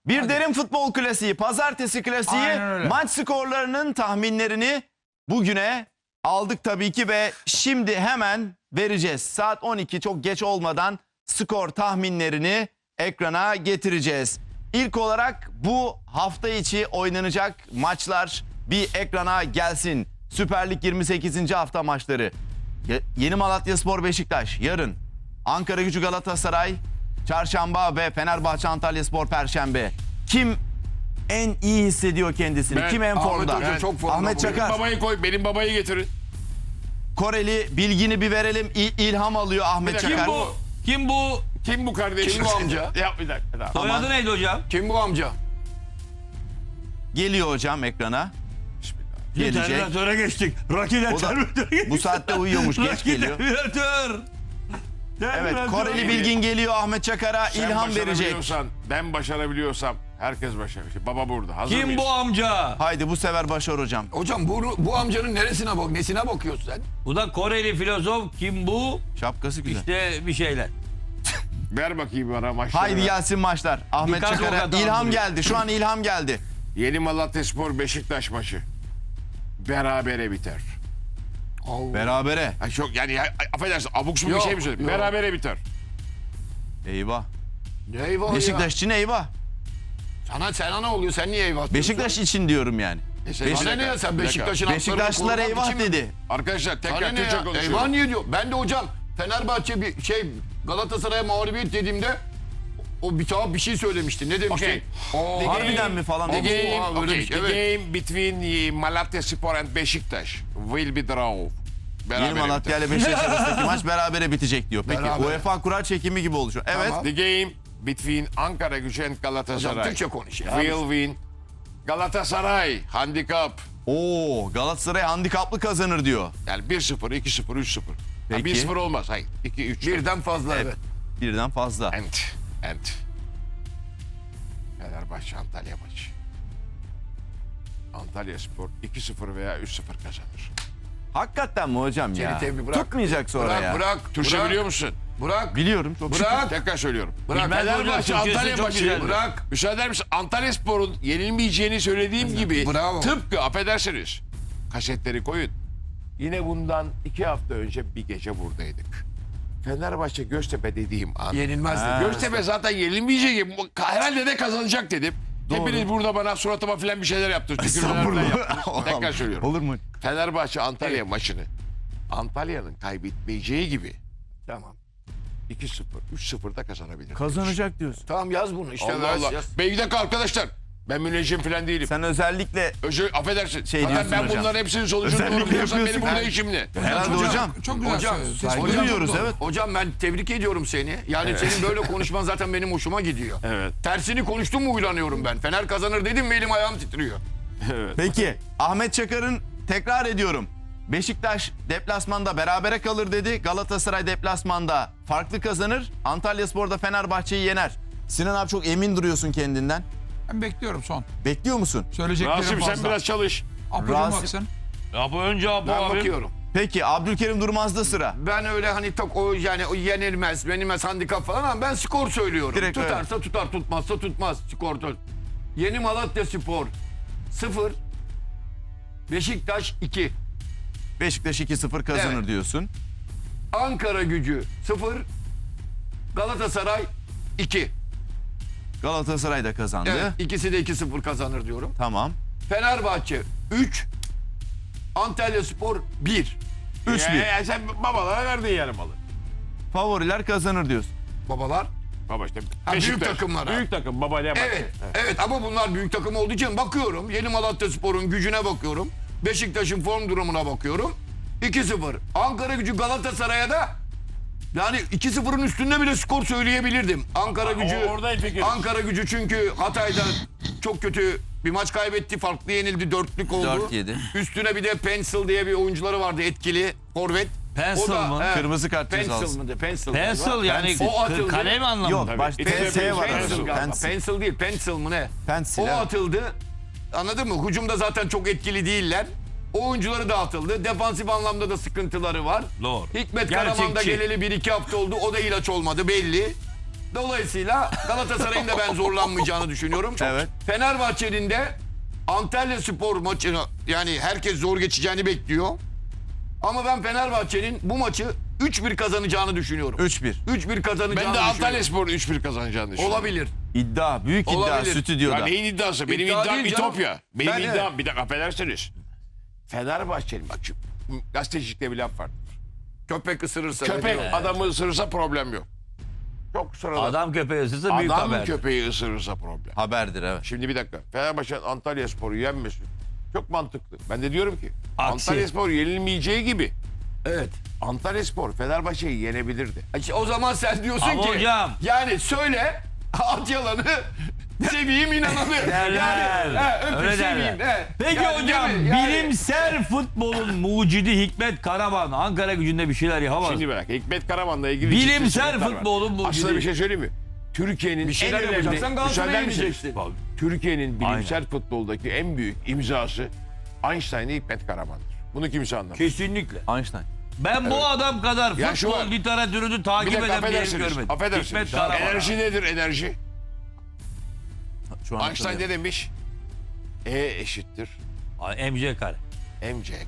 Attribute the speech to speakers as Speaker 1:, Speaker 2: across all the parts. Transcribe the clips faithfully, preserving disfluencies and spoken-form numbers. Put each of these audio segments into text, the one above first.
Speaker 1: Bir
Speaker 2: Hadi.
Speaker 1: derin futbol klasiği, pazartesi klasiği,
Speaker 2: Aynen öyle.
Speaker 1: maç skorlarının tahminlerini bugüne aldık tabii ki ve şimdi hemen vereceğiz. Saat on iki çok geç olmadan skor tahminlerini ekrana getireceğiz. İlk olarak bu hafta içi oynanacak maçlar bir ekrana gelsin. Süper Lig yirmi sekizinci hafta maçları. Ye- Yeni Malatyaspor Beşiktaş yarın. Ankaragücü Galatasaray çarşamba ve Fenerbahçe Antalyaspor perşembe. Kim en iyi hissediyor kendisini?
Speaker 3: Ben.
Speaker 1: Kim en
Speaker 3: Ahmet
Speaker 1: formda?
Speaker 3: Hoca çok formda
Speaker 1: Ahmet
Speaker 3: bugün.
Speaker 1: Çakar.
Speaker 3: Babayı koy, benim babayı getirin.
Speaker 1: Koreli bilgini bir verelim. İ- ilham alıyor Ahmet
Speaker 3: Bir dakika,
Speaker 1: Çakar.
Speaker 4: Kim bu? Kim bu?
Speaker 3: Kim bu kardeşim?
Speaker 2: Kim bu amca?
Speaker 3: Ya bir dakika. Tamam.
Speaker 4: Soyadı neydi hocam?
Speaker 2: Kim bu amca?
Speaker 1: Geliyor hocam ekrana.
Speaker 3: Bismillah.
Speaker 1: Gelecek.
Speaker 4: Terminatöre geçtik. Rocky
Speaker 1: O da
Speaker 4: Terminatöre geçtik.
Speaker 1: bu saatte uyuyormuş, geç
Speaker 4: Rocky
Speaker 1: geliyor.
Speaker 4: Terminator.
Speaker 1: Evet,
Speaker 4: Terminator.
Speaker 1: Koreli bilgin geliyor Ahmet Çakar'a
Speaker 3: Sen
Speaker 1: ilham verecek.
Speaker 3: başarabiliyorsan, ben başarabiliyorsam herkes başarabilir. Baba burada. Hazır
Speaker 4: Kim
Speaker 3: mıyız?
Speaker 4: bu amca?
Speaker 1: Haydi bu sefer başar hocam.
Speaker 2: Hocam bu, bu amcanın neresine bak, nesine bakıyorsun sen?
Speaker 4: Bu da Koreli filozof. Kim bu?
Speaker 1: Şapkası güzel.
Speaker 4: İşte bir şeyler.
Speaker 3: Ver bakayım bana maçları.
Speaker 1: Haydi gelsin maçlar. Ahmet
Speaker 4: Birkaç
Speaker 1: Çakar'a
Speaker 4: avukat
Speaker 1: ilham
Speaker 4: aldırıyor.
Speaker 1: geldi. Şu an ilham geldi.
Speaker 3: Yeni Malatyaspor Beşiktaş maçı. Berabere biter.
Speaker 2: Allah.
Speaker 1: Berabere.
Speaker 3: Ha çok yani ya, affedersin abuk subuk bir
Speaker 2: Yok,
Speaker 3: şey mi söyledim?
Speaker 2: yok.
Speaker 3: Berabere biter.
Speaker 1: Eyvah.
Speaker 2: Ne eyvah
Speaker 1: Beşiktaş
Speaker 2: ya.
Speaker 1: için eyvah.
Speaker 2: Sana, sana ne oluyor? Sen niye eyvah diyorsun?
Speaker 1: Beşiktaş için diyorum yani.
Speaker 2: E sen-
Speaker 1: Beşiktaş-
Speaker 2: Sana ne ya, sen
Speaker 3: Bir dakika.
Speaker 2: Beşiktaş'ın
Speaker 1: Beşiktaşlılar
Speaker 2: haklarını korumak
Speaker 1: eyvah
Speaker 2: için mi?
Speaker 1: dedi.
Speaker 3: Arkadaşlar
Speaker 2: Sana
Speaker 3: tekrar
Speaker 2: ne
Speaker 3: Türkçe
Speaker 2: ya?
Speaker 3: konuşuyorum.
Speaker 2: Eyvah niye diyor? Ben de hocam Fenerbahçe bir şey Galatasaray'a mağlubiyet dediğimde o bir tuhaf bir şey söylemişti. Ne demişti?
Speaker 3: Okey.
Speaker 2: Oo,
Speaker 1: Harbiden mi falan?
Speaker 3: The
Speaker 2: Abo,
Speaker 3: game,
Speaker 2: ha, öyle
Speaker 3: okay,
Speaker 2: bir şey,
Speaker 3: the
Speaker 2: evet.
Speaker 3: game between uh, Malatyaspor and Beşiktaş will be draw.
Speaker 1: Yeni
Speaker 3: Berabere
Speaker 1: Malatya
Speaker 3: biter.
Speaker 1: ile Beşiktaş arasındaki maç berabere bitecek diyor. Peki
Speaker 2: Berabere.
Speaker 1: UEFA kura çekimi gibi oluşuyor. Evet.
Speaker 2: Tamam.
Speaker 3: The game between Ankara Gücü and
Speaker 2: Hocam
Speaker 3: Galatasaray
Speaker 2: Türkçe konuş ya.
Speaker 3: will win. Galatasaray handikap.
Speaker 1: Oo, Galatasaray handikaplı kazanır diyor.
Speaker 3: Yani bir sıfır, iki sıfır, üç sıfır.
Speaker 1: Peki.
Speaker 3: bir sıfır olmaz. Hayır. iki üç.
Speaker 2: Birden fazla evet.
Speaker 1: Birden fazla.
Speaker 3: And, and. Fenerbahçe Antalya maçı. Antalyaspor iki sıfır veya üç sıfır kazanır.
Speaker 1: Hakikaten mi hocam ya?
Speaker 2: Seni tebrik- bırak.
Speaker 1: Tutmayacak sonra
Speaker 2: Bırak
Speaker 1: ya.
Speaker 2: bırak.
Speaker 3: Türkçe
Speaker 2: bırak,
Speaker 3: biliyor musun?
Speaker 2: Bırak.
Speaker 1: Biliyorum çok şükür.
Speaker 2: Bırak.
Speaker 3: Tekrar söylüyorum.
Speaker 2: Bırak.
Speaker 4: Bilmez hocam,
Speaker 3: Fenerbahçe
Speaker 4: Türkçesi
Speaker 3: Antalya
Speaker 4: çok
Speaker 3: maçı.
Speaker 4: güzel.
Speaker 2: Bırak.
Speaker 3: Müsaade eder misin? Antalyaspor'un yenilmeyeceğini söylediğim gibi
Speaker 2: Bravo.
Speaker 3: tıpkı affedersiniz kasetleri koyun. Yine bundan iki hafta önce bir gece buradaydık. Fenerbahçe Göztepe dediğim an.
Speaker 2: Yenilmez
Speaker 1: Ha.
Speaker 2: dedi.
Speaker 3: Göztepe zaten yenilmeyecek. Herhalde de kazanacak dedim. Hepiniz burada bana suratıma falan bir şeyler yaptınız. Tükürmeler falan yaptınız. Tekrar söylüyorum.
Speaker 1: Olur mu?
Speaker 3: Fenerbahçe Antalya maçını Antalya'nın kaybetmeyeceği gibi
Speaker 2: Tamam.
Speaker 3: iki sıfır, üç sıfırda kazanabilir.
Speaker 1: Kazanacak diyorsun.
Speaker 2: Tamam yaz bunu işte.
Speaker 3: Allah
Speaker 2: yaz,
Speaker 3: Allah.
Speaker 2: yaz.
Speaker 3: Bey bir dakika arkadaşlar. Ben müneccim falan değilim.
Speaker 1: Sen özellikle
Speaker 3: Özür, affedersin.
Speaker 1: Şey
Speaker 3: Zaten
Speaker 1: diyorsun
Speaker 3: ben
Speaker 1: hocam.
Speaker 3: bunların hepsinin sonucunu
Speaker 1: Özellikle
Speaker 3: doğru biliyorsam benim
Speaker 1: yapıyorsun.
Speaker 3: burada
Speaker 1: Ben-
Speaker 3: işim ne?
Speaker 1: herhalde hocam.
Speaker 5: Çok güzel
Speaker 2: Hocam,
Speaker 5: söylüyorsun.
Speaker 1: saygı
Speaker 5: Hocam,
Speaker 1: duyuyoruz,
Speaker 5: çok doğru.
Speaker 1: evet.
Speaker 2: Hocam ben tebrik ediyorum seni. Yani senin böyle konuşman zaten benim hoşuma gidiyor.
Speaker 3: Evet.
Speaker 2: Tersini konuştum mu uylanıyorum ben. Fener kazanır dedim mi elim ayağım titriyor.
Speaker 1: Peki Ahmet Çakar'ın tekrar ediyorum. Beşiktaş deplasmanda berabere kalır dedi. Galatasaray deplasmanda farklı kazanır. Antalyaspor'da Fenerbahçe'yi yener. Sinan abi çok emin duruyorsun kendinden.
Speaker 5: Ben bekliyorum son.
Speaker 1: Bekliyor musun?
Speaker 5: Söyleyeceklerim
Speaker 3: Rasim
Speaker 5: fazla.
Speaker 3: sen biraz çalış.
Speaker 5: Apo'cum
Speaker 1: Rasim-
Speaker 5: baksın.
Speaker 4: Ya bu önce Apo
Speaker 2: Ben
Speaker 4: abi.
Speaker 2: bakıyorum.
Speaker 1: Peki Abdülkerim Durmaz'da sıra.
Speaker 2: Ben öyle hani tak o yani o yenilmez, yenilmez handikap falan ama ben skor söylüyorum.
Speaker 1: Direkt
Speaker 2: Tutarsa tutar, tutmazsa tutmaz. Skor tut. Yeni Malatya Spor sıfır. Beşiktaş iki.
Speaker 1: Beşiktaş iki sıfır kazanır
Speaker 2: Evet.
Speaker 1: diyorsun.
Speaker 2: Ankara Gücü sıfır. Galatasaray iki.
Speaker 1: Galatasaray da kazandı.
Speaker 2: Evet, ikisi de iki sıfır kazanır diyorum.
Speaker 1: Tamam.
Speaker 2: Fenerbahçe üç. Antalya Spor bir.
Speaker 1: üç
Speaker 3: Ya,
Speaker 1: bir.
Speaker 3: ya sen babalara verdin yani malı.
Speaker 1: Favoriler kazanır diyorsun.
Speaker 2: Babalar.
Speaker 3: Baba işte
Speaker 2: Ha, büyük
Speaker 3: Beşiktaş.
Speaker 2: takımlara.
Speaker 3: Büyük takım baba ne
Speaker 2: Evet, evet ama bunlar büyük takım olduğu için bakıyorum. Yeni Malatya Spor'un gücüne bakıyorum. Beşiktaş'ın form durumuna bakıyorum. iki sıfır. Ankara Gücü Galatasaray'a da yani iki sıfırın üstünde bile skor söyleyebilirdim. Ankara Gücü
Speaker 3: orada el fikir.
Speaker 2: Ankara Gücü çünkü Hatay'da çok kötü bir maç kaybetti. Farklı yenildi. Dörtlük oldu.
Speaker 1: dört yedi.
Speaker 2: Üstüne bir de Pencil diye bir oyuncuları vardı etkili. Forvet.
Speaker 4: Pencil
Speaker 2: O da,
Speaker 4: mı?
Speaker 2: he,
Speaker 1: Kırmızı kart
Speaker 2: Pencil
Speaker 1: cezası.
Speaker 2: mıydı? Pencil.
Speaker 4: Pencil yani
Speaker 2: O atıldı.
Speaker 4: kalem anlamında.
Speaker 1: Yok
Speaker 3: Tabii.
Speaker 1: baş
Speaker 3: İkisi de
Speaker 1: P S var.
Speaker 3: pencil
Speaker 2: Pencil
Speaker 1: arada.
Speaker 2: galiba.
Speaker 1: Pencil.
Speaker 2: Pencil değil, pencil mı ne?
Speaker 1: Pencil,
Speaker 2: O
Speaker 1: evet.
Speaker 2: atıldı. Anladın mı? Hücumda zaten çok etkili değiller. O oyuncuları dağıtıldı. Defansif anlamda da sıkıntıları var.
Speaker 4: Doğru.
Speaker 2: Hikmet
Speaker 4: Gerçekçi.
Speaker 2: Karaman da geleli bir iki hafta oldu. O da ilaç olmadı belli. Dolayısıyla Galatasaray'ın da ben zorlanmayacağını düşünüyorum. Çok.
Speaker 1: Evet.
Speaker 2: Fenerbahçe'nin de Antalya Spor maçını yani herkes zor geçeceğini bekliyor. Ama ben Fenerbahçe'nin bu maçı üç bir kazanacağını düşünüyorum.
Speaker 1: üç bir.
Speaker 2: üç bir kazanacağını
Speaker 3: Ben de Antalya
Speaker 2: düşünüyorum.
Speaker 3: Spor'un üç bir kazanacağını düşünüyorum.
Speaker 2: Olabilir.
Speaker 1: İddia, büyük iddia
Speaker 2: Olabilir.
Speaker 1: stüdyoda.
Speaker 3: Ya neyin iddiası? Benim
Speaker 2: İddia
Speaker 3: iddiam
Speaker 2: değil canım.
Speaker 3: İtopya. Benim
Speaker 2: Ben-
Speaker 3: iddiam, bir dakika affedersiniz. Fenerbahçe'nin bak şu gazetecilikte bir laf var.
Speaker 2: Köpek ısırırsa.
Speaker 3: Köpek
Speaker 2: diyor.
Speaker 3: adamı ısırırsa problem yok. Çok sıradan. Adam,
Speaker 4: Adam köpeği ısırsa büyük haber.
Speaker 3: köpeği ısırırsa problem.
Speaker 1: Haberdir evet.
Speaker 3: Şimdi bir dakika. Fenerbahçe'nin Antalya Spor'u yenmesi çok mantıklı. Ben de diyorum ki
Speaker 4: Aksi.
Speaker 3: Antalya Spor yenilmeyeceği gibi
Speaker 2: Evet.
Speaker 3: Antalya Spor Fenerbahçe'yi yenebilirdi.
Speaker 2: İşte o zaman sen diyorsun
Speaker 4: Ama
Speaker 2: ki
Speaker 4: hocam.
Speaker 2: yani söyle at yalanı seveyim inananı.
Speaker 4: Derler.
Speaker 2: Yani, he, öpüp
Speaker 4: Öyle
Speaker 2: seveyim.
Speaker 4: derler.
Speaker 2: he.
Speaker 4: Peki
Speaker 2: Yani
Speaker 4: hocam
Speaker 2: değil mi? Yani-
Speaker 4: bilimsel futbolun mucidi Hikmet Karaman Ankara Gücü'nde bir şeyler yapamaz.
Speaker 3: Şimdi bırak. Hikmet Karaman'la ilgili
Speaker 4: Bilimsel
Speaker 3: ciddi sıkıntılar var.
Speaker 4: futbolun mucidi.
Speaker 3: Aslında bir şey söyleyeyim mi? Türkiye'nin
Speaker 2: Bir şeyler
Speaker 3: en önemli...
Speaker 2: yapacaksan Galatasaray'a
Speaker 3: Müsaade misiniz?
Speaker 2: gideceksin.
Speaker 3: Türkiye'nin bilimsel futboldaki en büyük imzası Einstein'ı Hikmet Karaman'dır. Bunu kimse anlamaz.
Speaker 4: Kesinlikle.
Speaker 1: Einstein.
Speaker 4: Ben bu adam kadar
Speaker 3: Ya şu
Speaker 4: futbol
Speaker 3: var.
Speaker 4: literatürünü
Speaker 3: Bir
Speaker 4: takip
Speaker 3: dakika
Speaker 4: eden bir herif
Speaker 3: affedersiniz.
Speaker 4: görmedim.
Speaker 3: Affedersiniz.
Speaker 4: Hikmet Karaman.
Speaker 3: Enerji nedir enerji?
Speaker 1: Şu an
Speaker 3: Einstein ne
Speaker 1: hatırlıyorum.
Speaker 3: demiş? E eşittir
Speaker 4: Ay, M C kare.
Speaker 3: M C.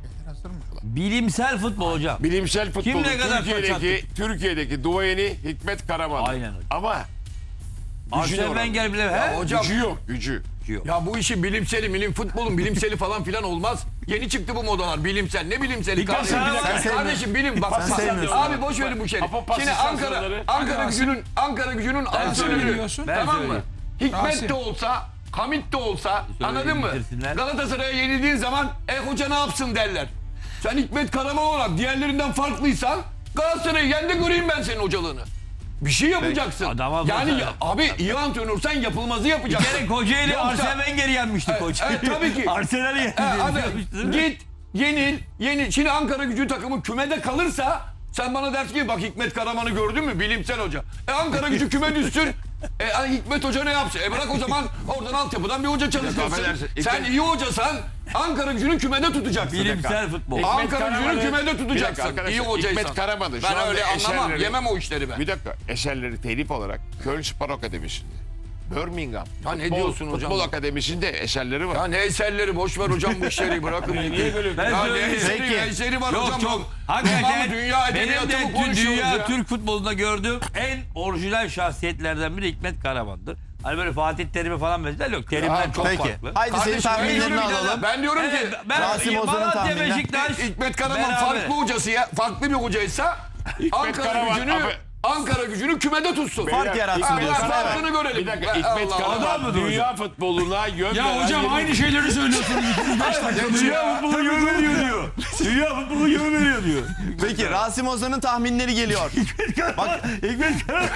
Speaker 4: Bilimsel futbol hocam.
Speaker 3: Bilimsel futbolun
Speaker 4: ne kadar
Speaker 3: Türkiye'deki, Türkiye'deki duayeni Hikmet Karaman.
Speaker 4: Aynen öyle.
Speaker 3: Ama gücü
Speaker 4: Arsene Wenger bile he?
Speaker 2: hocam-
Speaker 3: gücü yok gücü.
Speaker 2: Ya bu işin bilimseli, bilim futbolun bilimseli falan filan olmaz. Yeni çıktı bu modalar bilimsel. Ne bilimseli
Speaker 4: Hikmet
Speaker 2: kardeşim?
Speaker 4: Karaman-
Speaker 2: Bilim-
Speaker 1: Sen
Speaker 2: kardeşim bilim bak.
Speaker 1: Sen sevmiyorsun.
Speaker 2: Abi boş verin bu şeyi.
Speaker 3: Apopasi
Speaker 2: Şimdi Ankara
Speaker 3: sansasyonları.
Speaker 2: Ankara
Speaker 5: Rasim.
Speaker 2: Gücü'nün Ankara Gücü'nün antrenörü.
Speaker 5: söylüyorsun.
Speaker 4: Ben
Speaker 2: Tamam mı?
Speaker 4: söyleyeyim.
Speaker 2: Hikmet
Speaker 5: Rasim.
Speaker 2: de olsa, Hamit de olsa anladın mı?
Speaker 4: bitirsinler.
Speaker 2: Galatasaray'a yenildiğin zaman e hoca ne yapsın derler. Sen Hikmet Karaman olarak diğerlerinden farklıysan Galatasaray'ı yen de göreyim ben senin hocalığını. Bir şey yapacaksın.
Speaker 4: Adama
Speaker 2: yani
Speaker 4: bak.
Speaker 2: ya, abi iyi antrenörsen yapılmazı yapacaksın.
Speaker 4: Bir kere Kocaeli
Speaker 2: Yoksa-
Speaker 4: Arsene Wenger'i yenmiştik
Speaker 2: Evet,
Speaker 4: Kocaeli.
Speaker 2: evet, tabii ki.
Speaker 4: Arsenal'i yendi.
Speaker 2: E, hadi
Speaker 4: Yenmişti, değil mi?
Speaker 2: git yenil yenil. Şimdi Ankara Gücü takımı kümede kalırsa sen bana dersin ki bak Hikmet Karaman'ı gördün mü bilimsel hoca. E Ankara Gücü küme düşsün. E hani Hikmet Hoca ne yapsın? E bırak o zaman oradan altyapıdan bir hoca çalıştırsın.
Speaker 3: affedersin,
Speaker 2: Sen
Speaker 3: Hikmet-
Speaker 2: iyi hocasan Ankara Gücü'nü kümede tutacaksın.
Speaker 4: Bilimsel futbol.
Speaker 2: Ankara
Speaker 3: Karaman'ı-
Speaker 2: Gücü'nü kümede
Speaker 3: Bir dakika
Speaker 2: tutacaksın.
Speaker 3: arkadaşlar,
Speaker 2: İyi hocaysan.
Speaker 3: Hikmet Karaman'ı şu
Speaker 2: Ben
Speaker 3: anda
Speaker 2: öyle anlamam.
Speaker 3: eserleri-
Speaker 2: Yemem o işleri ben.
Speaker 3: Bir dakika eserleri telif olarak Köln Spor Akademisi'nde, Birmingham
Speaker 2: Ya ne
Speaker 3: Futbol,
Speaker 2: diyorsun hocam?
Speaker 3: Futbol Akademisi'nde eserleri var.
Speaker 2: Ya ne eserleri boş ver hocam bu işleri bırakın.
Speaker 4: Ben
Speaker 2: Ya ne
Speaker 4: söyleyeyim.
Speaker 2: eseri,
Speaker 1: Peki.
Speaker 2: eseri var
Speaker 4: Yok
Speaker 2: hocam.
Speaker 4: çok.
Speaker 2: Tamam
Speaker 4: Hakikaten
Speaker 2: mı? Dünya
Speaker 4: benim
Speaker 2: edebiyatı
Speaker 4: de
Speaker 2: mı
Speaker 4: tüm
Speaker 2: konuşuyoruz
Speaker 4: dünya
Speaker 2: ya?
Speaker 4: Türk futbolunda gördüğüm en orijinal şahsiyetlerden biri Hikmet Karaman'dır. Hani böyle Fatih Terim'i falan mesela yok. Terim'den
Speaker 2: Ya,
Speaker 4: çok
Speaker 1: Peki.
Speaker 4: farklı.
Speaker 1: Haydi senin
Speaker 2: Kardeşim, ben
Speaker 1: tahminlerini
Speaker 2: diyorum ki-
Speaker 1: alalım.
Speaker 2: Ben diyorum
Speaker 4: Evet,
Speaker 2: ki
Speaker 4: ben
Speaker 1: Rasim Ozan'ın
Speaker 4: Malatya
Speaker 1: tahmini.
Speaker 4: Beşiktaş
Speaker 2: Hikmet Karaman
Speaker 4: beraber.
Speaker 2: farklı hocası ya, farklı bir hocaysa Ankara
Speaker 3: Karaman,
Speaker 2: Gücü'nü
Speaker 3: abi-
Speaker 2: Ankara Gücü'nü kümede tutsun.
Speaker 1: Fark yaratsın
Speaker 2: Ha,
Speaker 1: diyorsun.
Speaker 2: bak,
Speaker 1: Evet.
Speaker 2: farkını görelim.
Speaker 3: Bir dakika
Speaker 2: Allah
Speaker 3: Hikmet
Speaker 2: Allah.
Speaker 3: Karaman dünya futboluna yön
Speaker 5: Ya
Speaker 3: veren
Speaker 5: hocam
Speaker 3: yeni-
Speaker 5: aynı şeyleri söylüyorsunuz.
Speaker 4: Dünya futbolu yön veriyor diyor. Dünya futbolu yön veriyor diyor.
Speaker 1: Peki Rasim Ozan'ın tahminleri geliyor. Bak
Speaker 4: Hikmet Karaman.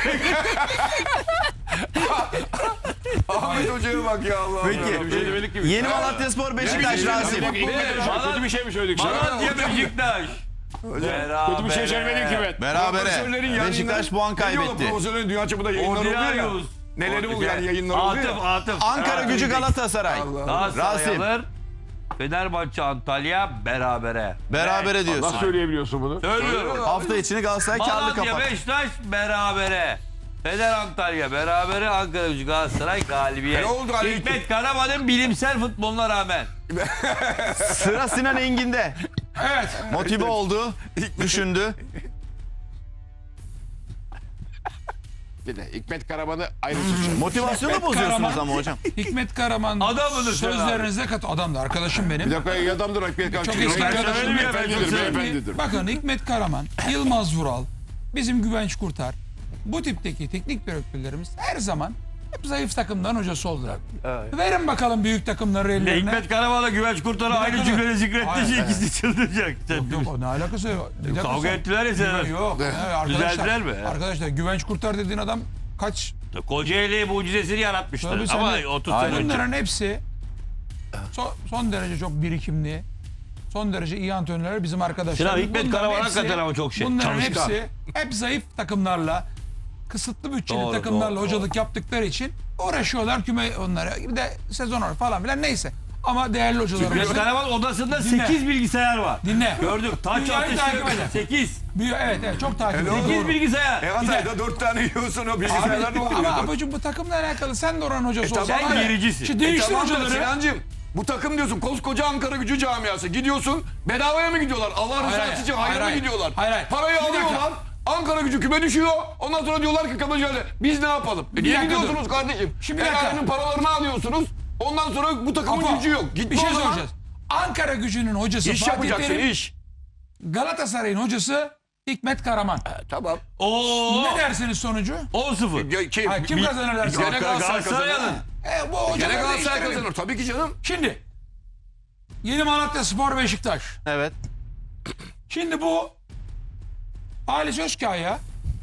Speaker 2: Ahmet Hoca'ya bak ya Allah
Speaker 1: peki.
Speaker 2: Allah.
Speaker 1: Yeni Malatyaspor Beşiktaş Rasim.
Speaker 3: Hikmet Hocam kötü bir şey mi söyledik sana?
Speaker 4: Malatya Beşiktaş.
Speaker 3: Kötü bir şey söylemedim ki ben.
Speaker 1: Berabere.
Speaker 2: Profesörlerin yayınları-
Speaker 1: Beşiktaş puan
Speaker 2: Ne diyorlar,
Speaker 1: kaybetti.
Speaker 2: Profesörlerin dünya çapında yayınları oluyor ya.
Speaker 4: Ordinarius.
Speaker 2: Neleri oluyor yani yayınlar oluyor
Speaker 4: Atıf
Speaker 2: ya.
Speaker 4: Atıf.
Speaker 1: Ankara Gücü Galatasaray.
Speaker 4: Galatasaray
Speaker 1: Rasim.
Speaker 4: alır. Fenerbahçe Antalya berabere.
Speaker 1: Berabere diyorsun.
Speaker 3: Nasıl söyleyebiliyorsun bunu?
Speaker 4: Söylüyorum.
Speaker 1: Hafta içini Galatasaray karlı
Speaker 4: Malatya
Speaker 1: kapat.
Speaker 4: Beşiktaş berabere. Fener Antalya berabere. Ankara Gücü Galatasaray galibiyet.
Speaker 2: E ne oldu Ali?
Speaker 4: Hikmet Karaman'ın bilimsel futboluna rağmen.
Speaker 1: Sıra Sinan Engin'de.
Speaker 5: Evet.
Speaker 1: Motive oldu. Düşündü.
Speaker 3: Bir de Hikmet Karaman'ı ayrı tutacağım.
Speaker 1: Motivasyonu
Speaker 5: Hikmet
Speaker 1: bozuyorsunuz
Speaker 5: Karaman-
Speaker 1: ama hocam.
Speaker 5: Hikmet Karaman
Speaker 4: Adam mıdır sen
Speaker 5: sözlerinize kat adam da arkadaşım benim.
Speaker 3: Bir dakika iyi adamdır Hikmet Karaman.
Speaker 5: Çok
Speaker 3: Hikmet
Speaker 5: eski
Speaker 3: Karaman
Speaker 5: arkadaşım.
Speaker 3: beyefendidir,
Speaker 5: Şimdi
Speaker 3: beyefendidir.
Speaker 5: bakın Hikmet Karaman, Yılmaz Vural, bizim Güvenç Kurtar, bu tipteki teknik direktörlerimiz her zaman hep zayıf takımdan hocası oldular. Verin bakalım büyük takımları
Speaker 4: Ve
Speaker 5: ellerine.
Speaker 4: Hikmet Karaman'la Güvenç Kurtar'ı aynı
Speaker 5: dakika.
Speaker 4: cümleyle zikrettiği için
Speaker 5: Hayır,
Speaker 4: ikisi çıldıracak.
Speaker 5: Yok yok o ne alakası yok. Bir dakika
Speaker 4: Kavga
Speaker 5: sen-
Speaker 4: ettiler ya seneler.
Speaker 5: Yok. evet,
Speaker 4: Düzeldiler
Speaker 5: arkadaşlar,
Speaker 4: mi?
Speaker 5: arkadaşlar Güvenç Kurtar dediğin adam kaç?
Speaker 4: Kocaeli mucizesini yaratmışlar.
Speaker 5: Tabii sen
Speaker 4: Ama
Speaker 5: de-
Speaker 4: otuz sene önce.
Speaker 5: Bunların hepsi son, son derece çok birikimli, son derece iyi antrenörler bizim arkadaşlar.
Speaker 4: Sinan Hikmet
Speaker 5: Bunların
Speaker 4: Karaman
Speaker 5: hepsi-
Speaker 4: hakikaten ama çok şey.
Speaker 5: Bunların
Speaker 4: Çalışkan.
Speaker 5: hepsi hep zayıf takımlarla, kısıtlı bütçeli
Speaker 4: Doğru,
Speaker 5: takımlarla
Speaker 4: doğru,
Speaker 5: hocalık yaptıkları için uğraşıyorlar küme onlara. Bir de sezon var falan filan neyse. Ama değerli hocalarımız.
Speaker 4: Hikmet Karaman odasında
Speaker 5: Dinle.
Speaker 4: sekiz bilgisayar var.
Speaker 5: Dinle.
Speaker 4: Gördük. Taç
Speaker 5: Dünyayı takip
Speaker 4: ateşi
Speaker 5: eder.
Speaker 4: sekiz.
Speaker 5: Bir- Evet evet çok takip ediyorum.
Speaker 4: sekiz
Speaker 5: Doğru.
Speaker 4: bilgisayar.
Speaker 2: E Hatay'da dört tane yiyorsun o bilgisayarlar ne
Speaker 5: Abi,
Speaker 2: oluyor?
Speaker 5: ama abicim bu takımla alakalı sen de oranın hocası
Speaker 2: E,
Speaker 5: olsan.
Speaker 2: tamam
Speaker 5: var
Speaker 2: da-
Speaker 5: ya,
Speaker 4: gericisin.
Speaker 5: Şimdi
Speaker 2: E
Speaker 5: değiştir
Speaker 2: tamam da
Speaker 5: hocaları.
Speaker 2: Sinancığım bu takım diyorsun koskoca Ankara Gücü camiası. Gidiyorsun bedavaya mı gidiyorlar? Allah
Speaker 5: Hayır,
Speaker 2: rızası
Speaker 5: hayır.
Speaker 2: için
Speaker 5: Hayır,
Speaker 2: hayır mı
Speaker 5: hayır.
Speaker 2: gidiyorlar?
Speaker 5: Hayır, hayır.
Speaker 2: Parayı
Speaker 5: Bir dakika.
Speaker 2: alıyorlar. Ankara Gücü küme düşüyor. Ondan sonra diyorlar ki kabaca biz ne yapalım? E niye
Speaker 5: dakika
Speaker 2: gidiyorsunuz kardeşim?
Speaker 5: Şimdi bir dakika.
Speaker 2: Elalinin paralarını alıyorsunuz. Ondan sonra bu takımın
Speaker 5: Apo,
Speaker 2: gücü yok. Gitme
Speaker 5: bir şey
Speaker 2: o zaman.
Speaker 5: soracağız. Ankara Gücü'nün hocası
Speaker 2: İş
Speaker 5: Fatih
Speaker 2: yapacaksın
Speaker 5: Terim,
Speaker 2: iş.
Speaker 5: Galatasaray'ın hocası Hikmet Karaman.
Speaker 2: E, tamam.
Speaker 4: Oo.
Speaker 5: Ne dersiniz sonucu?
Speaker 4: on sıfır.
Speaker 2: Ya, kim,
Speaker 5: Hayır, kim
Speaker 2: bir-
Speaker 5: kazanır dersin?
Speaker 2: Gene Galatasaray
Speaker 4: Galatasaray
Speaker 2: kazanır.
Speaker 4: alın.
Speaker 5: E, bu
Speaker 2: Gene
Speaker 5: hocaları
Speaker 2: Galatasaray
Speaker 5: değiştirelim.
Speaker 2: kazanır. Tabii ki canım.
Speaker 5: Şimdi Yeni Malatya Spor Beşiktaş.
Speaker 1: Evet.
Speaker 5: Şimdi bu Halis Özkaya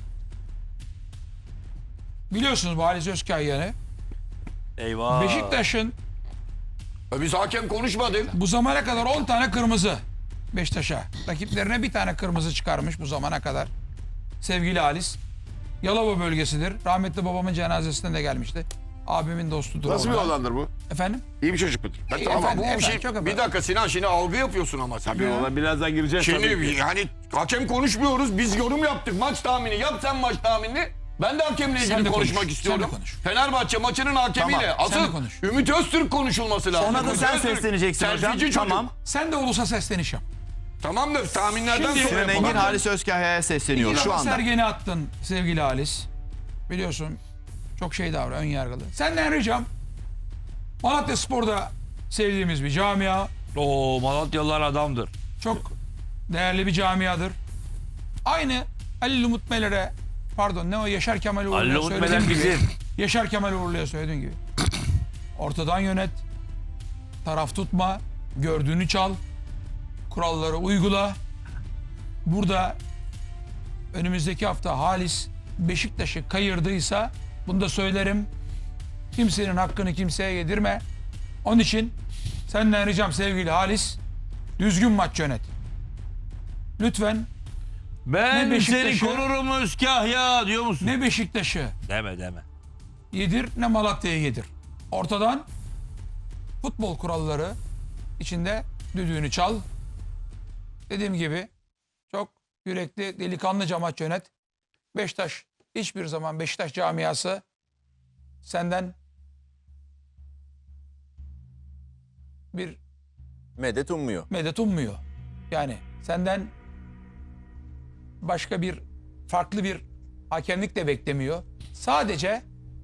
Speaker 5: biliyorsunuz bu Halis Özkaya'nı
Speaker 4: Eyvah.
Speaker 5: Beşiktaş'ın
Speaker 2: E, Biz hakem konuşmadık.
Speaker 5: bu zamana kadar on tane kırmızı Beşiktaş'a. Rakiplerine bir tane kırmızı çıkarmış bu zamana kadar. Sevgili Halis. Yalova bölgesidir. Rahmetli babamın cenazesine de gelmişti. Abimin dostudur.
Speaker 3: Nasıl bir
Speaker 5: oradan.
Speaker 3: olandır bu?
Speaker 5: Efendim?
Speaker 3: İyi bir çocuk mudur?
Speaker 2: Ben,
Speaker 5: E,
Speaker 2: tamam
Speaker 5: efendim,
Speaker 2: bu bir
Speaker 5: efendim,
Speaker 2: şey.
Speaker 5: çok
Speaker 2: Bir
Speaker 5: efendim.
Speaker 2: dakika Sinan şimdi algı yapıyorsun ama sen.
Speaker 3: Tabii ona birazdan gireceğiz tabii
Speaker 2: Şimdi
Speaker 3: ki.
Speaker 2: yani hakem konuşmuyoruz. Biz yorum yaptık. Maç tahmini. Yap sen maç tahminini. Ben de hakemle
Speaker 5: Sen
Speaker 2: ilgili
Speaker 5: de
Speaker 2: konuşmak
Speaker 5: konuş,
Speaker 2: istiyorum.
Speaker 5: sen de konuş.
Speaker 2: Fenerbahçe maçının hakemiyle.
Speaker 5: Tamam, sen de
Speaker 2: Asıl
Speaker 5: konuş.
Speaker 2: Ümit Öztürk konuşulması lazım.
Speaker 1: Ona da
Speaker 2: Ümit
Speaker 1: sen
Speaker 2: Öztürk,
Speaker 1: sesleneceksin hocam.
Speaker 2: selfieci çocuk.
Speaker 1: Tamam.
Speaker 5: Sen de ulusa sesleniş yap.
Speaker 2: Tamam da tahminlerden
Speaker 5: Şimdi-
Speaker 2: sonra
Speaker 1: Sinan
Speaker 2: yapalım.
Speaker 1: Engin Halis Özkahya'ya sesleniyor
Speaker 5: İki
Speaker 1: şu
Speaker 5: defa
Speaker 1: anda.
Speaker 5: Sergen'i attın sevgili Halis. Biliyorsun çok şey davranıyor, ön yargılı. Senden ricam Malatya Spor'da sevdiğimiz bir camia.
Speaker 4: Oo, Malatyalılar adamdır.
Speaker 5: Çok değerli bir camiadır. Aynı Halil Umut Meler'e pardon ne o Yaşar Kemal
Speaker 4: Ali
Speaker 5: Uğurlu'ya
Speaker 4: Umut
Speaker 5: söylediğim
Speaker 4: Meler
Speaker 5: gibi.
Speaker 4: bizim.
Speaker 5: Yaşar Kemal Uğurlu'ya söylediğin gibi. Ortadan yönet. Taraf tutma. Gördüğünü çal. Kuralları uygula. Burada önümüzdeki hafta Halis Beşiktaş'ı kayırdıysa bunu da söylerim. Kimsenin hakkını kimseye yedirme. Onun için senden ricam sevgili Halis düzgün maç yönet. Lütfen
Speaker 4: Ben
Speaker 5: Ne
Speaker 4: seni
Speaker 5: Beşiktaş'ı-
Speaker 4: korurum Özkahya diyor musun?
Speaker 5: ne Beşiktaş'ı
Speaker 4: Deme deme.
Speaker 5: yedir ne Malatya'yı yedir. Ortadan futbol kuralları içinde düdüğünü çal. Dediğim gibi çok yürekli delikanlıca maç yönet. Beşiktaş hiçbir zaman Beşiktaş camiası senden bir
Speaker 1: Medet ummuyor.
Speaker 5: medet ummuyor. Yani senden başka bir farklı bir hakemlik de beklemiyor. Sadece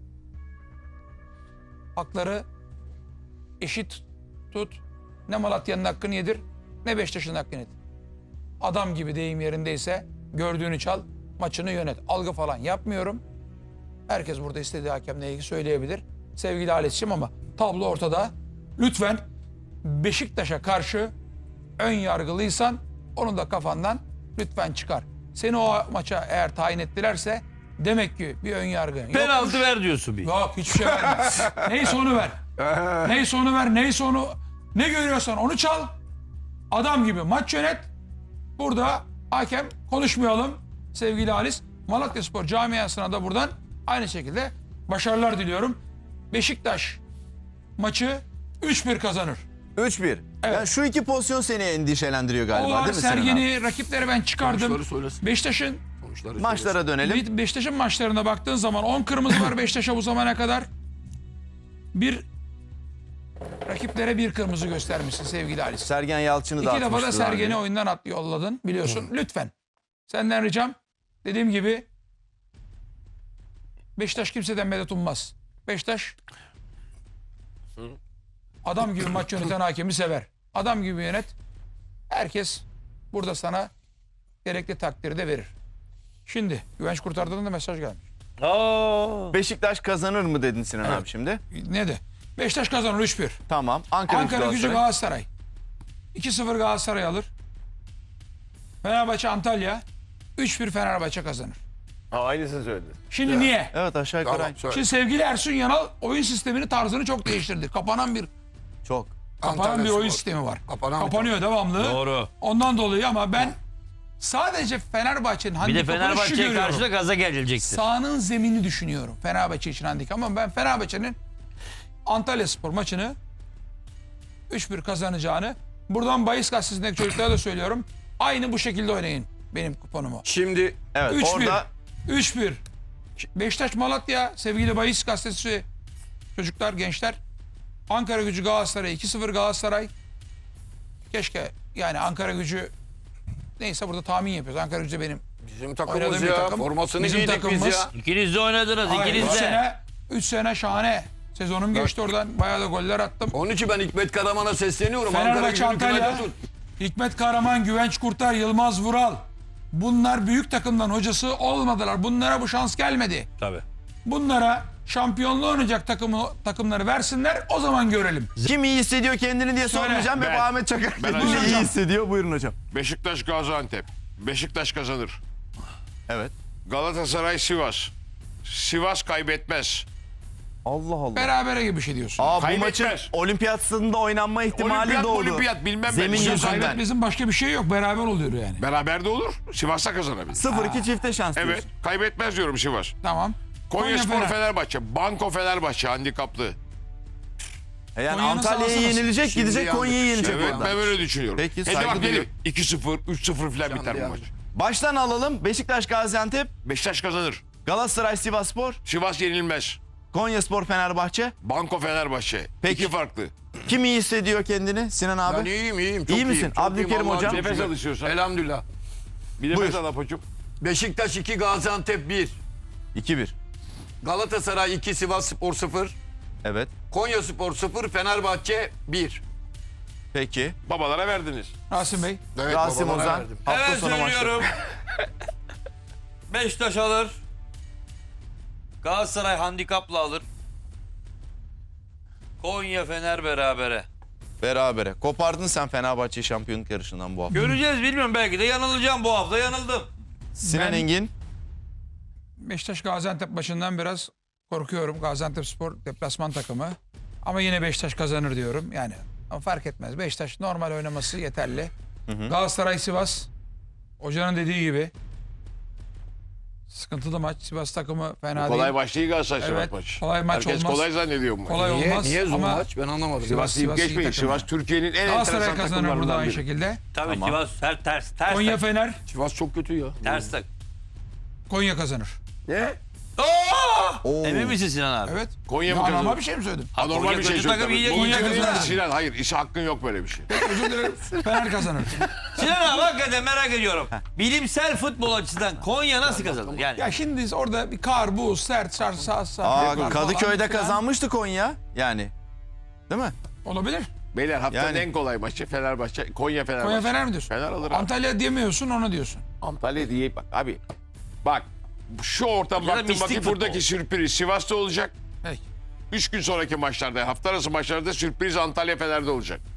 Speaker 5: hakları eşit tut. Ne Malatya'nın hakkını yedir ne Beşiktaş'ın hakkını yedir. Adam gibi deyim yerindeyse gördüğünü çal, maçını yönet. Algı falan yapmıyorum. Herkes burada istediği hakemle ilgili söyleyebilir. Sevgili Halis'ciğim ama tablo ortada. Lütfen Beşiktaş'a karşı ön yargılıysan onu da kafandan lütfen çıkar. Seni o maça eğer tayin ettilerse demek ki bir ön yargın yokmuş.
Speaker 4: Penaltı ver diyorsun bir.
Speaker 5: Yok hiçbir şey verme. Neyse onu ver. Neyse onu ver. Neyse onu ne görüyorsan onu çal. Adam gibi maç yönet. Burada hakem konuşmayalım sevgili Halis. Malatyaspor camiasına da buradan aynı şekilde başarılar diliyorum. Beşiktaş maçı üç bir kazanır.
Speaker 1: üç bir. Yani şu iki pozisyon seni endişelendiriyor galiba
Speaker 5: O var
Speaker 1: değil mi Sinan abi?
Speaker 5: Sergen'i rakipleri ben çıkardım.
Speaker 2: Sonuçları söylesin.
Speaker 5: Beşiktaş'ın
Speaker 2: Sonuçları
Speaker 1: Maçlara dönelim.
Speaker 5: Beşiktaş'ın maçlarına baktığın zaman on kırmızı var Beşiktaş'a bu zamana kadar. Bir rakiplere bir kırmızı göstermişsin sevgili Halis.
Speaker 1: Sergen Yalçın'ı da
Speaker 5: İki defa da
Speaker 1: atmıştı daha
Speaker 5: Sergen'i
Speaker 1: önce.
Speaker 5: oyundan at yolladın biliyorsun. Lütfen. Senden ricam dediğim gibi Beşiktaş kimseden medet ummaz. Beşiktaş adam gibi maç yöneten hakemi sever. Adam gibi yönet. Herkes burada sana gerekli takdiri de verir. Şimdi Güvenç Kurtar'dan da mesaj gelmiş.
Speaker 4: Aa.
Speaker 1: Beşiktaş kazanır mı dedin Sinan abi şimdi?
Speaker 5: Ne de? Beşiktaş kazanır üç bir.
Speaker 1: Tamam. Ankara,
Speaker 5: Ankara Gücü
Speaker 1: Galatasaray.
Speaker 5: Galatasaray. iki sıfır Galatasaray alır. Fenerbahçe Antalya üç bir Fenerbahçe kazanır.
Speaker 3: Ha, aynısını söyledi.
Speaker 5: Şimdi niye?
Speaker 1: Evet aşağı yukarı
Speaker 2: Tamam
Speaker 1: aynı.
Speaker 2: söyle.
Speaker 5: Şimdi sevgili Ersun Yanal oyun sistemini tarzını çok değiştirdi. Kapanan bir
Speaker 1: Çok.
Speaker 5: kapanan
Speaker 2: Antalya
Speaker 5: bir oyun
Speaker 2: Spor.
Speaker 5: sistemi var.
Speaker 2: Kapanan bir
Speaker 5: Kapanıyor devamlı.
Speaker 4: Doğru.
Speaker 5: Ondan dolayı ama ben sadece Fenerbahçe'nin
Speaker 4: Bir de
Speaker 5: handikapını şu
Speaker 4: Fenerbahçe'ye
Speaker 5: görüyorum.
Speaker 4: karşı da gaza gelecektir.
Speaker 5: Sahanın zeminini düşünüyorum. Fenerbahçe için handikap ama ben Fenerbahçe'nin Antalya Spor maçını üç bir kazanacağını. Buradan Bahis Gazetesi'ndeki çocuklara da söylüyorum. Aynı bu şekilde oynayın benim kuponumu.
Speaker 2: Şimdi
Speaker 1: Evet
Speaker 5: üç bir.
Speaker 1: orada
Speaker 5: üç bir. Beşiktaş Malatya sevgili Bahis Gazetesi çocuklar, gençler. Ankara Gücü Galatasaray iki sıfır Galatasaray. Keşke yani Ankara Gücü neyse burada tahmin yapıyoruz. Ankara Gücü benim
Speaker 2: bizim takımımız
Speaker 5: oynadığım bir
Speaker 2: ya.
Speaker 5: takım.
Speaker 2: Formasını
Speaker 5: Bizim
Speaker 2: giydik biz
Speaker 5: takımımız.
Speaker 2: ya.
Speaker 4: İkiniz de oynadınız. ikiniz
Speaker 5: üç
Speaker 4: de.
Speaker 5: sene üç sene şahane. Sezonum geçti oradan. Bayağı da goller attım.
Speaker 2: Onun için ben Hikmet Karaman'a sesleniyorum. Ankara
Speaker 5: Fenerbahçe
Speaker 2: Gücü'nü
Speaker 5: Antalya.
Speaker 2: kümede tut.
Speaker 5: Hikmet Kahraman, Güvenç Kurtar, Yılmaz Vural. Bunlar büyük takımdan hocası olmadılar. Bunlara bu şans gelmedi.
Speaker 4: Tabii.
Speaker 5: Bunlara şampiyonluğu oynayacak takımı, takımları versinler, o zaman görelim.
Speaker 1: kim iyi hissediyor kendini diye
Speaker 5: Söyle.
Speaker 1: sormayacağım. Hep
Speaker 3: Ben.
Speaker 1: Ahmet Çakar
Speaker 3: Ben
Speaker 1: kendini
Speaker 3: hocam.
Speaker 1: iyi hissediyor. Buyurun hocam.
Speaker 3: Beşiktaş Gaziantep. Beşiktaş kazanır.
Speaker 1: Evet.
Speaker 3: Galatasaray Sivas. Sivas kaybetmez.
Speaker 1: Allah Allah.
Speaker 5: Berabere gibi bir şey diyorsun.
Speaker 1: Aa, bu
Speaker 3: Kaybetmez.
Speaker 1: maçın olimpiyat stadında oynanma ihtimali
Speaker 3: Olimpiyat
Speaker 1: doğdu.
Speaker 3: olimpiyat bilmem ben.
Speaker 1: Zemin
Speaker 3: Bizim
Speaker 1: yüzünden.
Speaker 5: Kaybetmezin başka bir şey yok. Beraber oluyor yani.
Speaker 3: Beraber de olur. Sivas'ta kazanabilir.
Speaker 1: sıfır iki çifte şans
Speaker 3: Evet.
Speaker 1: diyorsun.
Speaker 3: Kaybetmez diyorum Sivas.
Speaker 5: Tamam.
Speaker 3: Konyaspor
Speaker 5: Fener.
Speaker 3: Fenerbahçe. Banko Fenerbahçe handikaplı.
Speaker 1: E Yani
Speaker 5: Konya'nın
Speaker 1: Antalya'ya
Speaker 5: sahası nasıl?
Speaker 1: yenilecek,
Speaker 2: Şimdi
Speaker 1: gidecek
Speaker 2: yandık.
Speaker 1: Konya'yı yenecek
Speaker 3: Evet
Speaker 1: orada.
Speaker 3: ben böyle düşünüyorum.
Speaker 1: Peki,
Speaker 3: Hadi
Speaker 1: saygı
Speaker 3: bak dedim
Speaker 1: duyuyorum.
Speaker 3: iki sıfır, üç sıfır falan biter bu
Speaker 2: yandık.
Speaker 3: maç.
Speaker 1: Baştan alalım. Beşiktaş Gaziantep,
Speaker 3: Beşiktaş kazanır.
Speaker 1: Galatasaray Sivasspor,
Speaker 3: Sivas yenilmez.
Speaker 1: Konyaspor Fenerbahçe.
Speaker 3: Banko Fenerbahçe.
Speaker 1: Peki.
Speaker 3: İki farklı.
Speaker 1: Kim iyi hissediyor kendini? Sinan abi.
Speaker 2: Ben iyiyim iyiyim. Çok
Speaker 1: İyi
Speaker 2: iyiyim,
Speaker 1: misin?
Speaker 2: çok
Speaker 1: Abdülkerim
Speaker 2: iyiyim, Allah'ım
Speaker 1: hocam.
Speaker 2: çok
Speaker 3: Nefes
Speaker 2: şükür.
Speaker 3: alışıyorsan.
Speaker 2: Elhamdülillah.
Speaker 3: Bir de
Speaker 1: Buyur.
Speaker 3: mesela Apoçuk.
Speaker 2: Beşiktaş iki Gaziantep bir.
Speaker 1: iki bir.
Speaker 2: Galatasaray iki Sivasspor sıfır.
Speaker 1: Evet.
Speaker 2: Konyaspor sıfır. Fenerbahçe bir.
Speaker 1: Peki.
Speaker 3: Babalara verdiniz.
Speaker 5: Rasim Bey.
Speaker 2: Evet,
Speaker 1: Rasim
Speaker 2: babalara
Speaker 1: Ozan.
Speaker 2: verdim.
Speaker 1: Hafta
Speaker 4: Hemen
Speaker 1: sonu maçları.
Speaker 4: söylüyorum. Beşiktaş alır. Galatasaray handikapla alır. Konya Fener berabere.
Speaker 1: Berabere. Kopardın sen Fenerbahçe şampiyonluk yarışından bu hafta.
Speaker 4: Göreceğiz, bilmiyorum, belki de yanılacağım bu hafta. Yanıldım.
Speaker 1: Sinan
Speaker 5: Ben-
Speaker 1: Engin.
Speaker 5: Beşiktaş Gaziantep maçından biraz korkuyorum. Gaziantepspor deplasman takımı. Ama yine Beşiktaş kazanır diyorum. Yani ama fark etmez. Beşiktaş normal oynaması yeterli. Galatasaray Sivas. Hocanın dediği gibi. Sıkıntılı maç. Sivas takımı fena
Speaker 3: Kolay
Speaker 5: değil.
Speaker 3: maç değil Galatasaray Sivas
Speaker 5: Evet,
Speaker 3: maçı.
Speaker 5: kolay maç
Speaker 3: Herkes
Speaker 5: olmaz.
Speaker 3: kolay zannediyor bu maçı.
Speaker 5: Kolay
Speaker 2: Niye,
Speaker 5: olmaz
Speaker 2: niye zor
Speaker 5: ama
Speaker 2: maç? Ben anlamadım.
Speaker 3: Sivas deyip
Speaker 5: Sivas iyi
Speaker 3: geçmeyin.
Speaker 5: takım
Speaker 3: Sivas
Speaker 5: ya.
Speaker 3: Türkiye'nin en
Speaker 5: Galatasaray
Speaker 3: enteresan
Speaker 5: kazanır burada
Speaker 3: takımlarından
Speaker 5: aynı
Speaker 3: biri.
Speaker 5: şekilde.
Speaker 4: Tabii
Speaker 1: Tamam.
Speaker 4: Sivas ters ters ters.
Speaker 5: Konya
Speaker 4: tak.
Speaker 5: Fener.
Speaker 2: Sivas çok kötü ya.
Speaker 4: Ters tak.
Speaker 5: Konya kazanır.
Speaker 3: Ne?
Speaker 1: Oo.
Speaker 4: Emin misin Sinan abi?
Speaker 5: Evet.
Speaker 3: Konya mı
Speaker 5: Ya,
Speaker 3: kazanır?
Speaker 5: normal bir şey mi söyledim?
Speaker 3: Anormal
Speaker 4: Konya
Speaker 3: bir şey
Speaker 4: kötü takım,
Speaker 3: söyledi.
Speaker 4: iyi-
Speaker 3: Bu
Speaker 4: Konya
Speaker 3: ülkenin-
Speaker 5: kazanır.
Speaker 3: Sinan hayır işi hakkın yok böyle bir şey.
Speaker 5: Özür dilerim. Fener kazanır.
Speaker 4: Sinan abi hakikaten merak ediyorum. Bilimsel futbol açısından Konya nasıl kazanır? Yani
Speaker 5: Ya şimdi orada bir kar, buz, sert, sar, sağ, sağ.
Speaker 1: Aa,
Speaker 5: falan
Speaker 1: Kadıköy'de
Speaker 5: filan.
Speaker 1: kazanmıştı Konya. Yani. Değil mi?
Speaker 5: Olabilir.
Speaker 3: Beyler haftanın
Speaker 1: Yani-
Speaker 3: en kolay maçı Fenerbahçe. Konya Fenerbahçe.
Speaker 5: Konya Fener mi diyorsun?
Speaker 3: Fener alır abi.
Speaker 5: Antalya diyemiyorsun, onu diyorsun.
Speaker 3: Antalya diye bak abi. Bak şu ortam
Speaker 4: Ya da
Speaker 3: baktım
Speaker 4: mistik
Speaker 3: bakayım
Speaker 4: futbol.
Speaker 3: buradaki sürpriz Sivas'ta olacak.
Speaker 5: Peki.
Speaker 3: Üç gün sonraki maçlarda hafta arası maçlarda sürpriz Antalya Fener'de olacak.